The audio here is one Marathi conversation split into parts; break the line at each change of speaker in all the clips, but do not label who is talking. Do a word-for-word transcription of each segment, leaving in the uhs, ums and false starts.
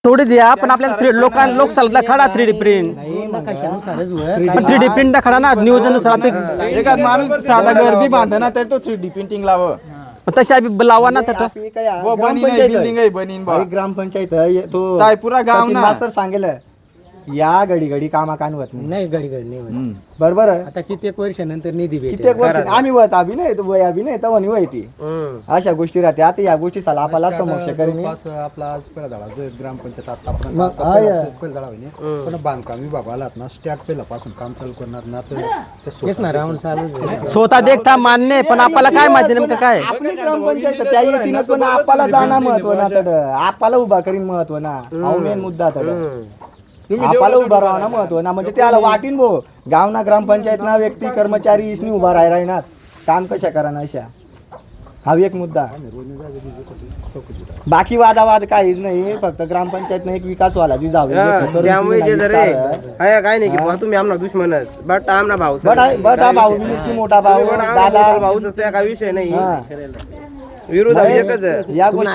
थोडी द्या पण आपल्याला लोकां लोकसभेला खडा थ्री डी प्रिंट पण थ्री डी प्रिंट खडा ना नियोजन
एखाद माणूस साधा घर बी बांधा ना तर तो थ्री डी प्रिंटिंग लाव
तशा लावा ना तर
वो बनी नाही बिल्डिंग आहे बनीन बा
ग्रामपंचायत आहे तो
काय पुरा गाव ना
मास्तर सांगेल या घडी घडी कामा कान होत
नाही घडी घडी नाही होत.
बरोबर
आता कित्येक वर्षानंतर निधी भेटेल.
कित्येक वर्ष आम्ही वत अभि नाही तो वय अभि नाही तवा नाही वय ती अशा गोष्टी राहते आता या गोष्टी साला आपल्याला समक्ष करीन
जवळपास आपला आज पहिला धडा जे ग्रामपंचायत आतापर्यंत आता पहिला पहिला धडा होईल पण बांधकाम विभागाला ना स्टार्ट पहिल्यापासून काम चालू करणार ना तर ते तेच ना राऊंड चालू
स्वतः देखता मान्य पण आपल्याला काय माहिती नेमकं काय
आपली ग्रामपंचायत त्या येतीनच पण आपल्याला जाणं महत्व ना तड आपल्याला उभा करीन महत्व ना हा मेन मुद्दा तड आपल्याला उभा राहा ना महत्व ना म्हणजे त्याला वाटीन भो गाव ना ग्रामपंचायत ना व्यक्ती कर्मचारी इसनी उभा राह राहणार काम कशा करा ना अशा हा एक मुद्दा बाकी वादावाद काहीच नाही फक्त ग्रामपंचायत एक विकास व्हायला जी जाऊ
त्यामुळे जे जर आहे काय नाही की तुम्ही आमना दुश्मनच बट आमना भाऊ
बट बट हा भाऊ बिनिसनी मोठा भाऊ दादा
भाऊच असते काय विषय नाही विरोध एकच
या गोष्टी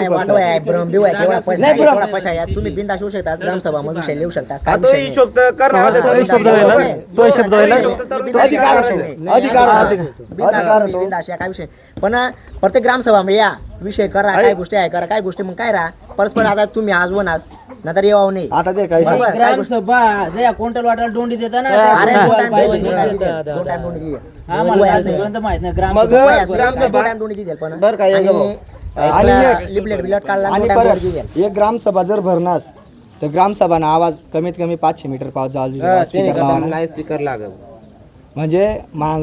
तुम्ही बिंदास येऊ शकता ग्रामसभा मध्ये विषय लिहू शकता
तो हिशोब तर करणार
तो शब्द
अधिकार अधिकार अधिकार
बिंदास काय विषय पण प्रत्येक ग्रामसभा मध्ये या विषय करा काय गोष्टी आहे करा काय गोष्टी मग काय राहा परस्पर आता तुम्ही आज वन आज नंतर येऊ नाही
आता ते काय
ग्रामसभा जया क्विंटल वाटायला डोंडी देता ना
अरे दोन टाइम
माहित नाही ग्राम
मग टाइम डोंडी देईल पण
बर काय
आणि
लिपलेट बिलट काढला
आणि परत एक ग्रामसभा जर भरणास तर ग्रामसभा ना आवाज कमीत कमी पाचशे मीटर पाऊस जावं
नाही स्पीकर लागल
म्हणजे मांग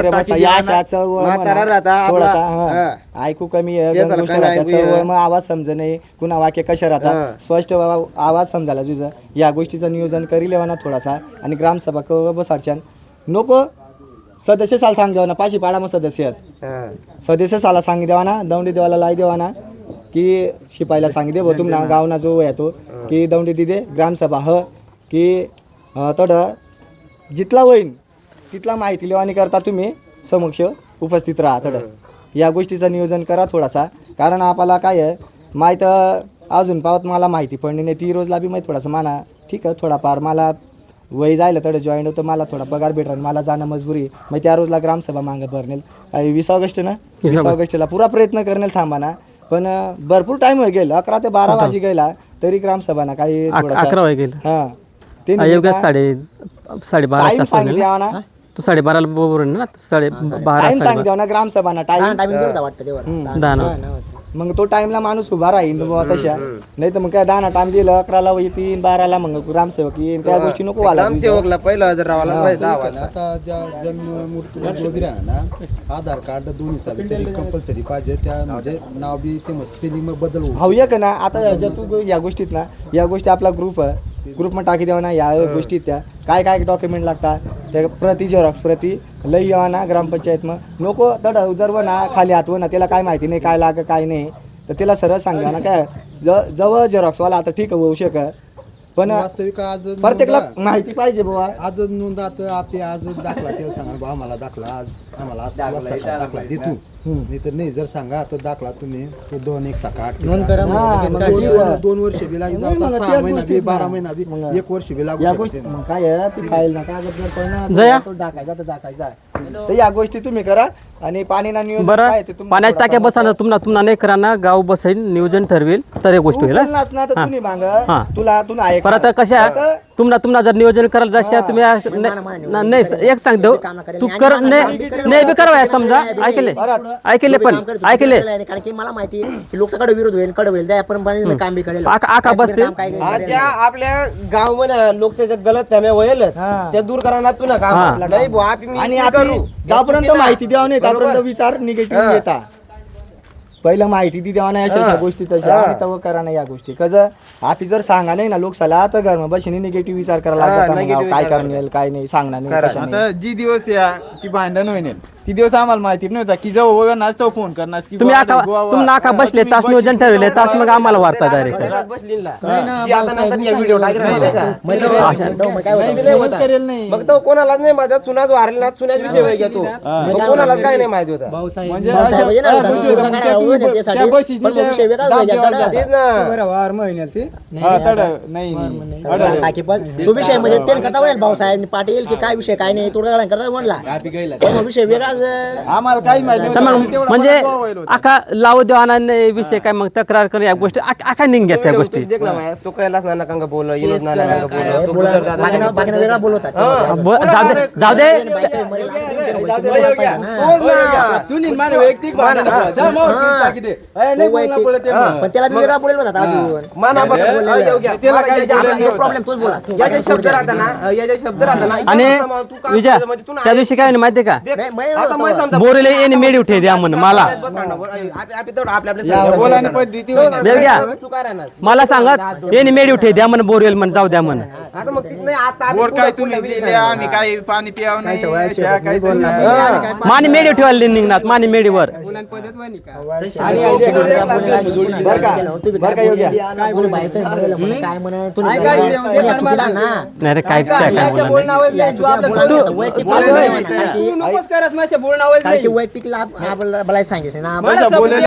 ऐकू कमी मग आवाज समज नाही कुणा वाक्य कशा राहतात स्पष्ट आवाज समजायला तुझं या गोष्टीचं नियोजन करी लेवा ना थोडासा आणि ग्रामसभा क बसाडच्यान नको सदस्य साला सांग देवा ना पाचशे पाडा मग सदस्य आहेत सदस्य साला सांग देवा ना दौंडी देवाला लाई देवा ना की शिपाईला सांग दे भाऊ तुम्हाला गावना जो येतो की दौंडी दिदे ग्रामसभा ह की तड जितला होईन तिथला माहिती लेवानी करता तुम्ही समक्ष उपस्थित राहा थोडं या गोष्टीचं नियोजन करा थोडासा कारण आपल्याला काय आहे माहीत अजून पावत मला माहिती पडली नाही ती रोजला बी माहीत थोडासा माना ठीक आहे थोडाफार मला वय जायला थोडं जॉईन होतं मला थोडा पगार भेटणार मला जाणं मजबुरी मग त्या रोजला ग्रामसभा मागं भरणेल वीस ऑगस्ट ना वीस ऑगस्टला पुरा प्रयत्न करणेल थांबा ना पण भरपूर टाइम होईल गेला अकरा ते बारा वाजी गेला तरी ग्रामसभा ना काही
अकरा वाजे गेला
हां
ते साडे साडेबारा
सांगितलं ना
तू साडेबाराला बरोबर ना साडे बारा
टाइम सांगितलं ना ग्रामसभा ना टाइम
टायमिंग देऊ वाटतं तेव्हा
दहा
मग तो टाइमला माणूस उभा राहील बाबा तशा नाही तर मग काय दहा टाइम दिलं अकराला येतील बाराला मग ग्रामसेवक येईल त्या गोष्टी नको व्हायला
ग्रामसेवकला पहिला जर रावाला पाहिजे दहा वाजता
आता ज्या जन्म मृत्यू जो बी राहा ना आधार कार्ड दोन्ही साबी तरी कंपल्सरी पाहिजे त्या म्हणजे नाव बी ते स्पेलिंग बदल होऊ
हवं का ना आता ज्या तू या गोष्टीत ना या गोष्टी आपला ग्रुप आहे ग्रुपमध्ये टाकी द्यावा ना या गोष्टीत त्या काय काय डॉक्युमेंट लागतात त्या प्रति झेरॉक्स प्रति लई यावा ना ग्रामपंचायत मग नको तड जर ना खाली हातव ना त्याला काय माहिती नाही काय लाग काय नाही तर त्याला सरळ सांगा ना काय ज जवळ झेरॉक्सवाला आता ठीक होऊ शकत पण
वास्तविक आज
प्रत्येकला माहिती पाहिजे बाबा
आज नोंदात आपले आज दाखला ते सांगा बा आम्हाला दाखला आज आम्हाला आज दाखला दे तू नाही तर नाही जर सांगा तर दाखला तुम्ही तो दोन एक सात आठ दोन वर्ष बी लागेल सहा महिना बी बारा महिना बी एक वर्ष बी लागू
या गोष्टी मग काय आहे ती फाईल ना कागद तो टाकायचा तर टाकायचा तर या गोष्टी तुम्ही करा आणि पाणी ना नियोजन काय ते
बरं पाण्याच्या टाक्या बसा तुम्हाला तुम्हाला नाही करा ना गाव बसाईल नियोजन ठरवेल तर एक गोष्ट होईल
ना तर तुम्ही मागा तुला तुला आहे
परत कशा तुम्हाला तुम्हाला जर नियोजन करायला जायचं तुम्ही नाही एक सांगतो तू कर नाही बी करावं समजा ऐकले ऐकले पण ऐकले
कारण की मला माहिती लोकसभा विरोध होईल कड होईल त्याप्रमाणे काम बी करेल
आका बसते
त्या आपल्या गाव मध्ये लोकच्या गलत फॅम्या होईल त्या दूर करणार तू ना काम नाही बुवा
आणि आपण जोपर्यंत माहिती द्यावं नाही तोपर्यंत विचार निगेटिव्ह येतात पहिलं माहिती ती द्यावा नाही अशा गोष्टी तशा तव करा नाही या गोष्टी कसं आपली जर सांगा नाही ना लोकसला तर घर बशीने निगेटिव्ह विचार करायला लागतात काय करणार काय नाही सांगणार नाही
आता जी दिवस या ती भांडण होईल ती दिवस आम्हाला माहिती नव्हता की जाऊ वगैरे नाचतो फोन करणार की
तुम्ही
बुवा
आका
आले, गोवा-
तुम्ही आका
हा,
बसले
तुम्ही
तास
बशीत
नियोजन ठरवले तास मग आम्हाला वार्ता डायरेक्ट
घरात बसली ना.
नाही ना,
ती आता नंतर या व्हिडिओ टाकला नाही का?
मग तो- मग काय होतं?
तुम्ही नाही होता. मग तो कोणालाच नाही माझ्या चुनाच वारले ना चुनाच विषय वेगळा घेतो मग कोणालाच काय नाही माहिती होता
भाऊसाहेब
म्हणजे
भाऊसाहेब
अशा-
येणार
हा,
होता.
विषय होता.
दुकानात
त्या तुम्ही
आहोत
ब-
त्यासाठी.
त्या बशीत
पण
नेल्या-
विषय वेगळा
दाब
होता.
देवाला जा.
तेच ना
हा, तड नाही नाही. अडवलं.
टाकी पण तो विषय म्हणजे ते करता म्हणेल भाऊसाहेब पाटील की काय विषय काय नाही तोडगा करता म्हणला पण मग विषय वेगळाच
आम्हाला काहीच माहिती
तर
नव्हतं.
मग
तेवढं
म्हणजे
मला गोवा होतं.
आका लावू देऊ नाही विषय काय मग तक्रार कर या गोष्टी आका आका निघ त्या गोष्टी
देख ना माया सुकायलाच ना नका बोल येलोच ना नका बोल तो
बोला
गुजर दादा
बाकीनं बाकीनं वेगळा बोलवतात
हा.
ब- जाऊ दे जाऊ दे
पण त्याला मी वेगळा बोललो होता अजून
मानाबद्दल
प्रॉब्लेम तोच बोला
याचे शब्द राहता ना याचे शब्द राहता ना
आणि
तू काम
विजय
केलं म्हणजे तू
त्या दिवशी काय म्हणे माहितीये का
देख,
नाही, मी
आता
होतो
मी समजा-
बोरले येणे मेडी उठे द्या म्हण मला
बस ना, बस, आप- आप तेवढं आपल्या आपल्या
बोलाने पद्धती होती.
देव घ्या
चुका राहणार.
मला सांगत येणे मेडी उठे द्या म्हण बोरवेल म्हण जाऊ द्या म्हण
आता मग तिथं नाही, आता आम्ही
बोर
पुढं-
काय
पुढं
तुम्ही
विषय
दिले
सांगणार.
आम्ही काही पाणी पियाव नाही चहा काही नाही.
हा.
मानी मेडी ठेवायला निघणार मानी मेडीवर
बरं का?
काय म्हणा तुम्ही चुकीला ना
नाही रे काय काय काय
अशा
बोलणार
बोलण्यावर नाही, तू आपलं
बोलणं वैयक्तिक
बोलणं
बोलणं
नाही.
नाही. कारण की-
तू नकोच करत माझ्या बोलण्यावर
कारण
नाही.
की वैयक्तिक लाभ मला सांगायचं ना
मला
बोलणं-